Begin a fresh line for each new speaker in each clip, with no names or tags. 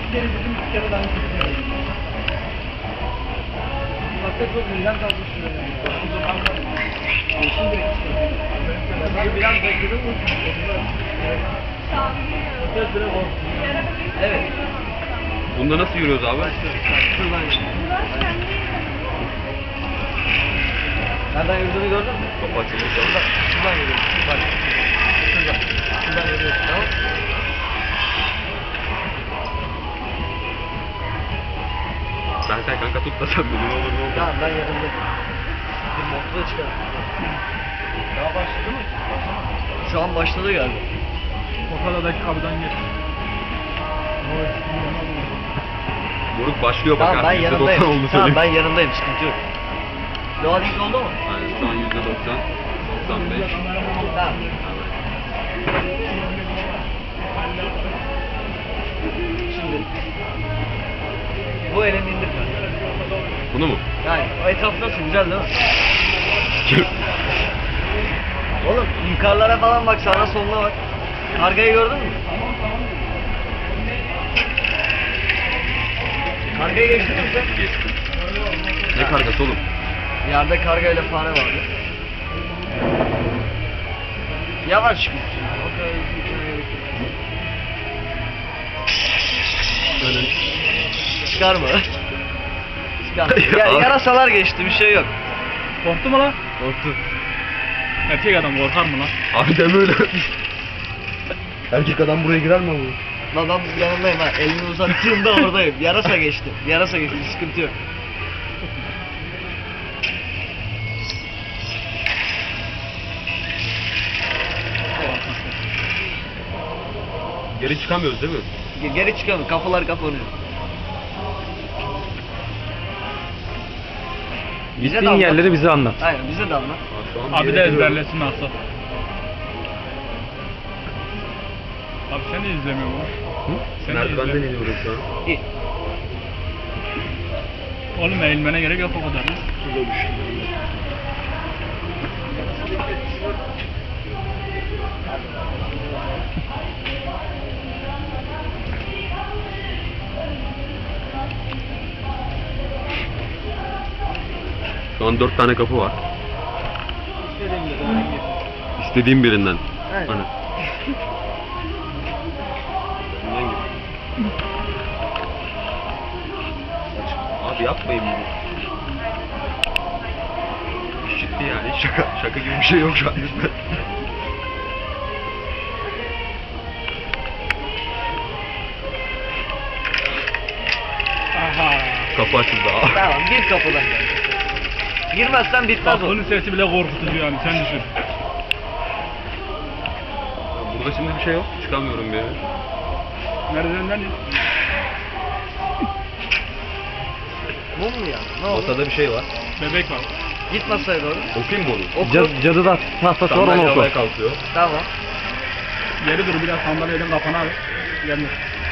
kere dedim, 2 kere daha kötü. Hatta çok güzel kalmış şuraya. Yeşil direkt işte. Ben biraz bekledim mi? Evet.
Bunda nasıl yürüyoruz abi?
Şuradan nereden yürüdüğünü gördün mü?
Kapı açılmış.
Şuradan yürüyoruz. Bak. Şuradan. Şuradan yürüyoruz. Tamam.
Sen kanka tut da sen beni ne olur ne olur.
Tamam ben yanımda. Bir motoru çıkar. Daha başladı mı? Şu an başladı galiba.
Pokaladaki kapıdan gir.
Moruk başlıyor bak
Tamam ben
artık.
yanındayım.
%90 oldu
Tamam
söyleyeyim.
ben yanındayım. Sıkıntı yok. Loading oldu mu?
Yani şu an %90, 95.
Tamam. Şimdi bu elini indir.
Bunu mu?
Yani o etraf nasıl güzel değil mi? Oğlum yukarılara falan bak, sağına soluna bak. Kargayı gördün mü? Kargayı geçtin mi sen?
Geçtim. Ne kargası oğlum?
Yerde karga ile fare vardı. Yavaş çıkın. Çıkarma. Çıkarma. Yarasalar geçti, bir şey yok.
Korktu mu lan?
Korktu.
Erkek adam korkar mı lan?
Abi deme öyle. Erkek adam buraya girer mi abi?
Lan ben yanındayım ha. Elini uzattığımda oradayım. Yarasa geçti. Yarasa geçti. Sıkıntı yok.
Geri çıkamıyoruz değil mi?
Geri çıkalım. Kapılar kapanıyor. Bize de
Gittiğin
anlat.
yerleri bize anlat.
Aynen bize de anlat.
Şu an bir
Abi
yere
de
giriyorum.
ezberlesin nasıl? Abi sen de izlemiyor mu? Sen de
Merdivenden
izlemiyor.
iniyorum şu an.
İyi.
Oğlum eğilmene gerek yok o kadar. Lan.
Şu an 4 tane kapı var. İstediğim birinden.
Evet.
Hani. Bundan gir. Abi yapmayın bunu. İş ciddi yani. Şaka gibi bir şey yok şu an.
Aha.
Kapı açıldı. Aa.
Tamam, bir kapıdan gel. Girmezsen bitmez o.
Bunun sesi bile korkutucu yani, sen düşün.
Burada şimdi bir şey yok. Çıkamıyorum bir yere.
Merdivenden in.
Mum mu ya? Ne oldu?
Masada bir şey var.
Bebek var.
Git masaya doğru.
Okuyayım mı onu?
Oku.
Cadıda tahtası var, onu
Sandalye
oku.
havaya kalkıyor.
Tamam.
Geri dur, biraz sandalyenin kafana al. Gelme.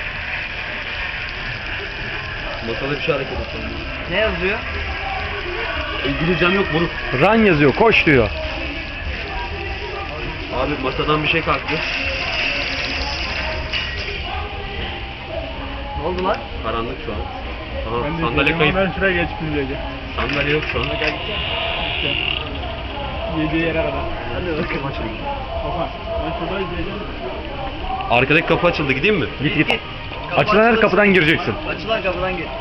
Masada bir şey hareket ediyor.
Ne yazıyor?
İngilizcem yok moruk.
Run yazıyor, koş diyor.
Abi masadan bir şey kalktı.
Ne oldu lan?
Karanlık şu an. Aha,
Ben de
sandalye
izleyeceğim
kayıp.
ama ben şuraya geçip izleyeceğim.
Sandalye yok şu an.
Yediği yere kadar.
Hadi bakalım.
Kafa. Ben şurada izleyeceğim.
Arkadaki kapı açıldı, gideyim mi?
Git git.
Kapı
Açılan her
açılsın.
kapıdan gireceksin.
Açılan kapıdan git.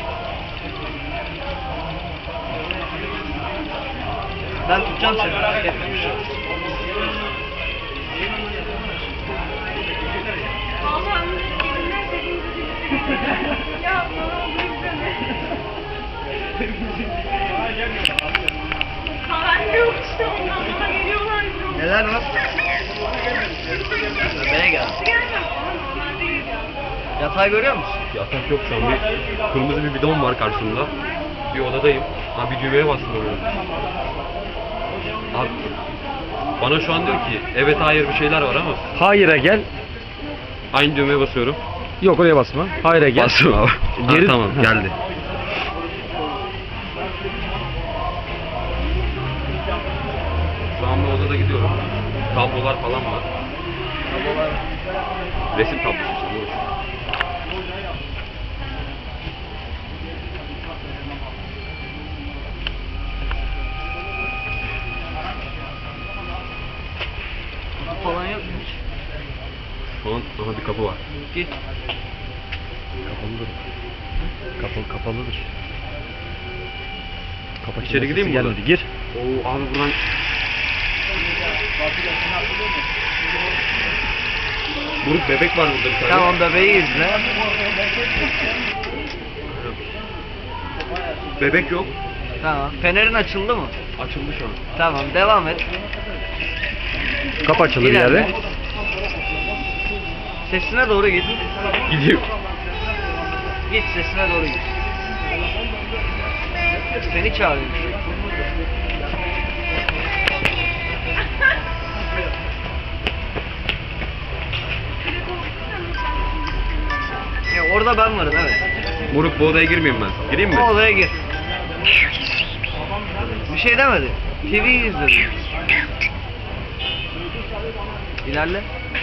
Ben tutacağım seni. Merak etme bir şey.
Allah'ım elimden dediğinizi ya ne oldu izleme. Haber yok işte, ondan bana geliyorlar.
Neler var? Bana gel.
Gelmem ama normalde geliyor.
Yatağı görüyor musun?
Yatak yok şu an. Bir kırmızı bir bidon var karşımda. Bir odadayım. Ha bir düğmeye bastım oraya. Abi bana şu an diyor ki evet hayır bir şeyler var ama
Hayır'a gel.
aynı düğmeye basıyorum.
Yok, oraya basma. Hayır'a gel.
Bastım abi.
Geri-
Ha, tamam
Ha.
geldi. Şu an bu odada gidiyorum. Tablolar falan var.
Tablolar.
Resim tablosu işte. Bu. kapı var.
Git.
Kapalıdır. Kapalıdır. Kapı
İçeri gideyim mi
gelmedi.
buradan?
Gir.
Oo abi buradan Buruk bebek var burada bir tane.
Tamam bebeği izle.
Bebek yok.
Tamam. Fenerin açıldı mı?
Açıldı şu an.
Tamam devam et.
Kapı açıldı bir
İlerle.
yerde.
Sesine doğru git.
Gidiyor.
Git sesine doğru git. Seni çağırıyormuş. Orada ben varım evet.
Buruk bu odaya girmeyeyim ben. Gireyim mi?
O odaya gir. Bir şey demedi. TV izledi. İlerle.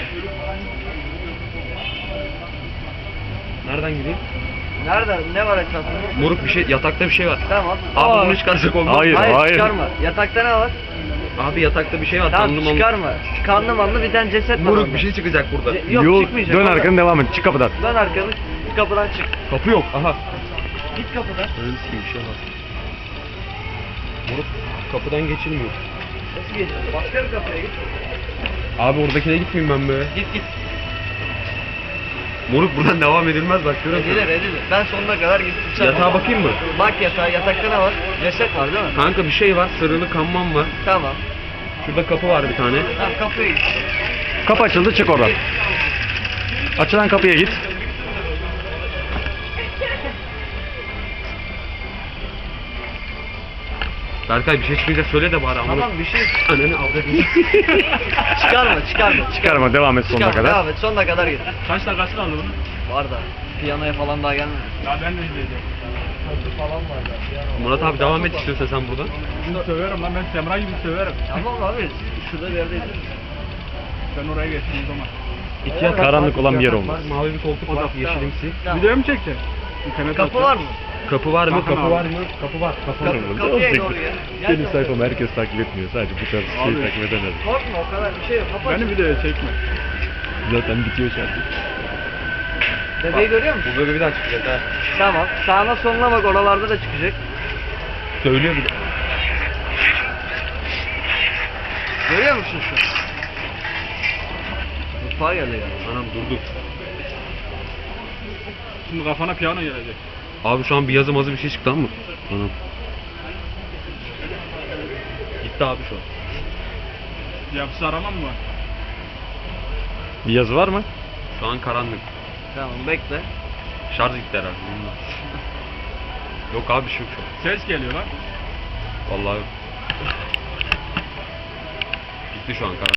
Nereden gireyim?
Nerede? Ne var etrafında?
Moruk bir şey, yatakta bir şey var.
Tamam.
Abi bunu çıkarsak olmaz.
Hayır.
Hayır çıkarma. Yatakta ne var?
Abi yatakta bir şey var.
Tamam
Kanlı manlı.
çıkarma. Kanlı manlı bir tane ceset var
Moruk
orada.
bir şey çıkacak burada.
Yok
Yol,
çıkmayacak.
dön
orada.
arkanı devam et. Çık kapıdan.
Dön arkanı. Kapıdan çık.
Kapı yok. Aha.
Git kapıdan.
Öyle sikeyim bir şey var. Moruk kapıdan geçilmiyor.
Nasıl geçiyorsun? Başka bir kapıya git.
Abi oradakine gitmeyeyim ben be.
Git git.
Moruk buradan devam edilmez bak görüyorsun.
Edilir. Ben sonuna kadar gittim.
Yatağa bakayım mı?
Bak yatağa. Yatakta ne var? Ceset var değil mi?
Kanka bir şey var. Sarılı kanman var.
Tamam.
Şurada kapı var bir tane.
Tamam kapıya git.
Kapı açıldı. Çık oradan. Açılan kapıya git.
Berkay bir şey çıkınca söyle de bari ama.
Tamam bir şey
Ananı avradını.
çıkarma.
Çıkarma. Devam et sonuna
Çıkarma,
kadar.
devam et. Sonuna kadar git.
Kaç dakikası kaldı bunun?
Var da. Piyanoya falan daha gelmedi.
Ya ben de izleyeceğim.
Falan var da. Piyano var.
Murat abi devam et istiyorsan sen buradan.
Şimdi söverim lan, ben Semra gibi söverim.
Tamam abi. Şurada bir yerde izle.
Ben oraya geçtim o zaman.
İki
Karanlık olan bir yer olmaz.
Mavi bir koltuk var. Yeşilimsi.
Tamam.
Video mu çekeceksin? İnternet
Kapı var mı?
Kapı var mı?
Bakın
Kapı
abi.
var mı? Kapı var. Kapı var.
Kapıya doğru gel. Gel
Benim
kapıya.
sayfamı herkes takip etmiyor. Sadece bu tarz
Abi.
şeyi takip edenler.
Korkma o kadar bir şey yok. Kapı
Beni
açık.
videoya çekme.
Zaten bitiyor şarkı.
Bebeği görüyor musun?
Bu böyle bir daha çıkacak ha.
Tamam. Sağına soluna bak oralarda da çıkacak.
Söylüyor bir de.
Görüyor musun şu? Mutfağa geldi ya.
Anam durdu.
Şimdi kafana piyano gelecek.
Abi şu an bir yazı mazı bir şey çıktı ama. Anam. Gitti abi şu an.
Yapısı aramam mı?
Bir yazı var mı?
Şu an karanlık.
Tamam bekle.
Şarj gitti herhalde. bilmiyorum. Yok abi bir şey yok şu an.
Ses geliyor lan.
Vallahi yok. Gitti şu an karanlık.